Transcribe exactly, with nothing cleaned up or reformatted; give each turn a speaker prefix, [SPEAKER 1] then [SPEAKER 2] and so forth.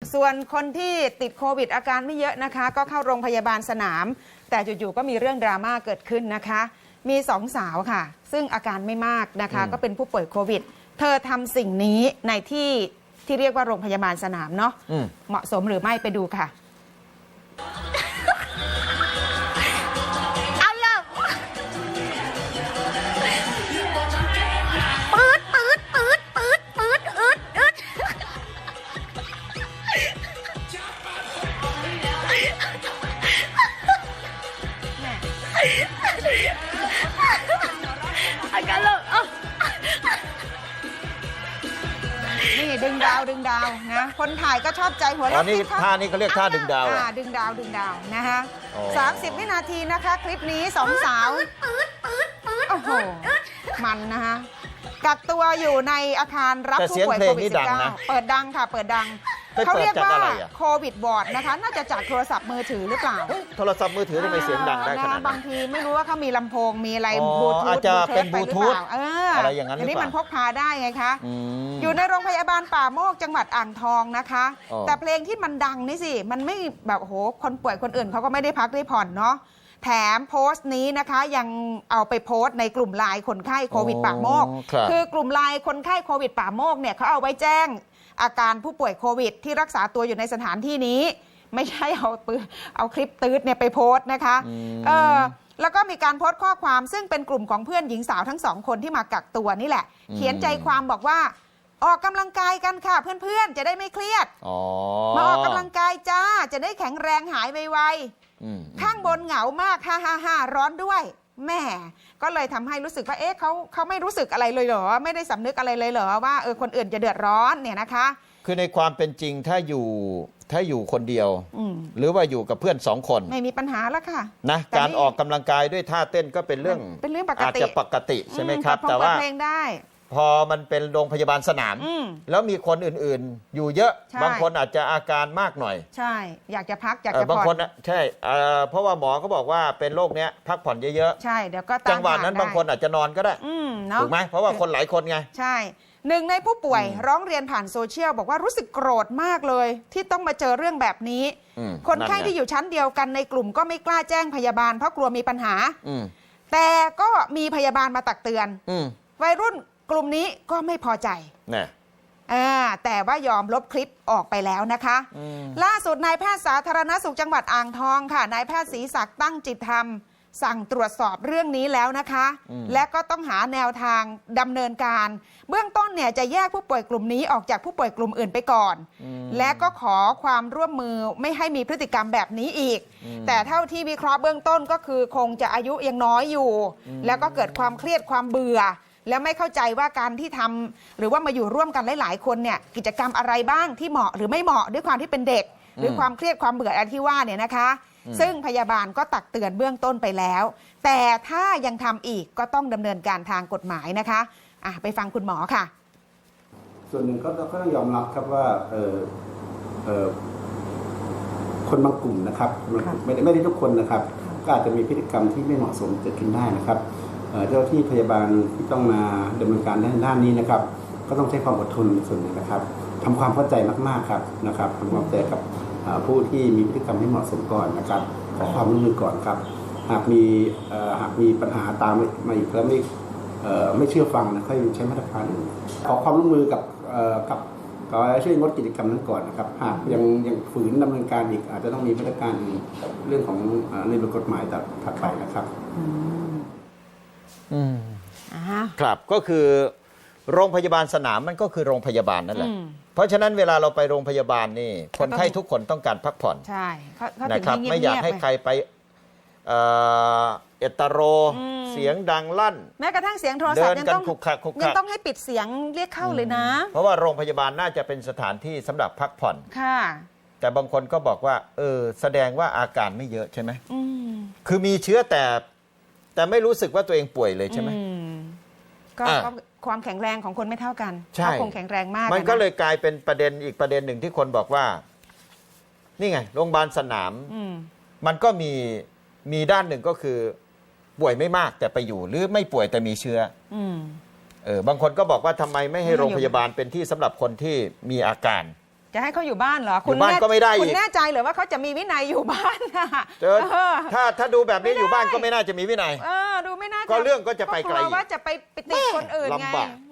[SPEAKER 1] ส่วนคนที่ติดโควิดอาการไม่เยอะนะคะก็เข้าโรงพยาบาลสนามแต่จู่ๆก็มีเรื่องดราม่าเกิดขึ้นนะคะมีสองสาวค่ะซึ่งอาการไม่มากนะคะก็เป็นผู้ป่วยโควิดเธอทำสิ่งนี้ในที่ที่เรียกว่าโรงพยาบาลสนามเนาะเหมาะสมหรือไม่ไปดูค่ะนี่ดึงดาวดึงดาวนะคนถ่ายก็ชอบใจหัวเราะ
[SPEAKER 2] นี่ท่านี้เขาเรียกท่าดึงดาวอ่ะ
[SPEAKER 1] ดึงดาวดึงดาวนะคะสามสิบวินาทีนะคะคลิปนี้สองสาวโอ้โหมันนะคะกักตัวอยู่ในอาคารรับผู้ป่วยโควิด สิบเก้า เปิดดังค่ะเปิดดังเขาเรียกว่าโควิดบอร์ดนะคะน่าจะจากโทรศัพท์มือถือหรือเปล่า
[SPEAKER 2] โทรศัพท์มือถือทำไมเสียงดังได้ขนาดนั้น
[SPEAKER 1] บางทีไม่รู้ว่าเขามีลำโพงมีอะไรบลูทูธ
[SPEAKER 2] อาจจะเป็นบลูทูธอะไรอย่างนั้นหรือเปล่าอัน
[SPEAKER 1] นี้มันพกพาได้ไงคะอยู่ในโรงพยาบาลป่าโมกจังหวัดอ่างทองนะคะแต่เพลงที่มันดังนี่สิมันไม่แบบโหคนป่วยคนอื่นเขาก็ไม่ได้พักได้ผ่อนเนาะแถมโพสต์นี้นะคะยังเอาไปโพสต์ในกลุ่มไลน์คนไข้โควิดป่าโมกคือกลุ่มไลน์คนไข้โควิดป่าโมกเนี่ยเขาเอาไว้แจ้งอาการผู้ป่วยโควิดที่รักษาตัวอยู่ในสถานที่นี้ไม่ใช่เอาปืนเอาคลิปตืดเนี่ยไปโพสต์นะคะเออแล้วก็มีการโพสต์ข้อความซึ่งเป็นกลุ่มของเพื่อนหญิงสาวทั้งสองคนที่มากักตัวนี่แหละเขียนใจความบอกว่าออกกำลังกายกันค่ะเพื่อนๆจะได้ไม่เครียดมาออกกำลังกายจ้าจะได้แข็งแรงหายไวๆข้างบนเหงามากฮ่าฮ่าฮ่าร้อนด้วยแม่ก็เลยทำให้รู้สึกว่าเอ๊ะเขาเขาไม่รู้สึกอะไรเลยเหรอไม่ได้สำนึกอะไรเลยเหรอว่าเออคนอื่นจะเดือดร้อนเนี่ยนะคะ
[SPEAKER 2] คือในความเป็นจริงถ้าอยู่ถ้าอยู่คนเดียวหรือว่าอยู่กับเพื่อนสองคน
[SPEAKER 1] ไม่มีปัญหาแล้วค่ะ
[SPEAKER 2] นะการออกกำลังกายด้วยท่าเต้นก็เป็นเรื่อง
[SPEAKER 1] เป็นเรื่องปกติ
[SPEAKER 2] อาจจะปกติใช่ไหมครับแต่ว่าพอมันเป็นโรงพยาบาลสนามแล้วมีคนอื่นๆอยู่เยอะบางคนอาจจะอาการมากหน่อย
[SPEAKER 1] ใช่อยากจะพักอยากจะผ่อน
[SPEAKER 2] บางคนใช่เพราะว่าหมอเขาบอกว่าเป็นโรคเนี้ยพักผ่อนเยอะ
[SPEAKER 1] ๆใช่เดี๋ยวก็
[SPEAKER 2] จังหวะนั้นบางคนอาจจะนอนก็ได้ถูกไหมเพราะว่าคนหลายคนไง
[SPEAKER 1] ใช่หนึ่งในผู้ป่วยร้องเรียนผ่านโซเชียลบอกว่ารู้สึกโกรธมากเลยที่ต้องมาเจอเรื่องแบบนี้คนไข้ที่อยู่ชั้นเดียวกันในกลุ่มก็ไม่กล้าแจ้งพยาบาลเพราะกลัวมีปัญหาแต่ก็มีพยาบาลมาตักเตือนวัยรุ่นกลุ่มนี้ก็ไม่พอใจนะแต่ว่ายอมลบคลิปออกไปแล้วนะคะล่าสุดนายแพทย์สาธารณสุขจังหวัดอ่างทองค่ะนายแพทย์ศรีศักดิ์ตั้งจิตธรรมสั่งตรวจสอบเรื่องนี้แล้วนะคะและก็ต้องหาแนวทางดำเนินการเบื้องต้นเนี่ยจะแยกผู้ป่วยกลุ่มนี้ออกจากผู้ป่วยกลุ่มอื่นไปก่อนและก็ขอความร่วมมือไม่ให้มีพฤติกรรมแบบนี้อีกแต่เท่าที่วิเคราะห์เบื้องต้นก็คือคงจะอายุยังน้อยอยู่แล้วก็เกิดความเครียดความเบื่อแล้วไม่เข้าใจว่าการที่ทำหรือว่ามาอยู่ร่วมกันหลายๆคนเนี่ยกิจกรรมอะไรบ้างที่เหมาะหรือไม่เหมาะด้วยความที่เป็นเด็กหรือความเครียดความเบื่ออะไรที่ว่าเนี่ยนะคะซึ่งพยาบาลก็ตักเตือนเบื้องต้นไปแล้วแต่ถ้ายังทำอีกก็ต้องดำเนินการทางกฎหมายนะคะอ่ะไปฟังคุณหมอค่ะ
[SPEAKER 3] ส่วนหนึ่งก็ก็ต้องยอมรับครับว่าเออเออคนบางกลุ่มนะครับไม่ได้ไม่ได้ทุกคนนะครับก็อาจจะมีพฤติกรรมที่ไม่เหมาะสมเกิดขึ้นได้นะครับเจ้าที่พยาบาลที่ต้องมาดำเนินการด้านด้านนี้นะครับก็ต้องใช้ความอดทนส่วนหนึ่งนะครับทำความเข้าใจมากๆครับนะครับทำความเข้าใจกับผู้ที่มีพฤติกรรมที่เหมาะสมก่อนนะครับขอความร่วมมือก่อนครับหากมีหากมีปัญหาตามมาอีกแล้วไม่ไม่เชื่อฟังนะค่อยใช้มาตรการอื่นขอความร่วมมือกับกับก็ช่วยงดกิจกรรมนั้นก่อนนะครับหากยังยังฝืนดำเนินการอีกอาจจะต้องมีมาตรการเรื่องของในบทกฎหมายถัดไปนะครับ
[SPEAKER 2] อืมครับก็คือโรงพยาบาลสนามมันก็คือโรงพยาบาลนั่นแหละเพราะฉะนั้นเวลาเราไปโรงพยาบาลนี่คนไข้ทุกคนต้องการพักผ่อน
[SPEAKER 1] ใช่
[SPEAKER 2] นะครับไม่อยากให้ใครไปเอตโรเสียงดังลั่น
[SPEAKER 1] แม้กระทั่งเสียงโทรศัพท์ยังต้องยังต้องให้ปิดเสียงเรียกเข้าเลยนะ
[SPEAKER 2] เพราะว่าโรงพยาบาลน่าจะเป็นสถานที่สำหรับพักผ่อน
[SPEAKER 1] ค่ะ
[SPEAKER 2] แต่บางคนก็บอกว่าเออแสดงว่าอาการไม่เยอะใช่ไหมคือมีเชื้อแต่แต่ไม่รู้สึกว่าตัวเองป่วยเลยใช่ไหม
[SPEAKER 1] ก็ความแข็งแรงของคนไม่เท่ากันถ้าคงแข็งแรงมาก
[SPEAKER 2] มันก็เลยกลายเป็นประเด็นอีกประเด็นหนึ่งที่คนบอกว่านี่ไงโรงพยาบาลสนามมันก็มีมีด้านหนึ่งก็คือป่วยไม่มากแต่ไปอยู่หรือไม่ป่วยแต่มีเชื้อเออบางคนก็บอกว่าทำไมไม่ให้โรงพยาบาลเป็นที่สำหรับคนที่มีอาการ
[SPEAKER 1] จะให้เขาอยู่บ้านเหรอ
[SPEAKER 2] อยู่บ้านก็ไม่ได้อีก
[SPEAKER 1] คุณแน่ใจเหรือว่าเขาจะมีวินัยอยู่บ้านอะ
[SPEAKER 2] เจอ
[SPEAKER 1] เออ
[SPEAKER 2] ถ้าถ้าดูแบบนี้
[SPEAKER 1] ไม่ได้
[SPEAKER 2] อยู่บ้านก็ไม่น่าจะมีวินัย
[SPEAKER 1] เออดูไม่น่าจะ
[SPEAKER 2] ก็เรื่องก็จะไปไกล
[SPEAKER 1] เพราะลัวว่าจะไปไปติดคนอื่นไง
[SPEAKER 2] ลำบาก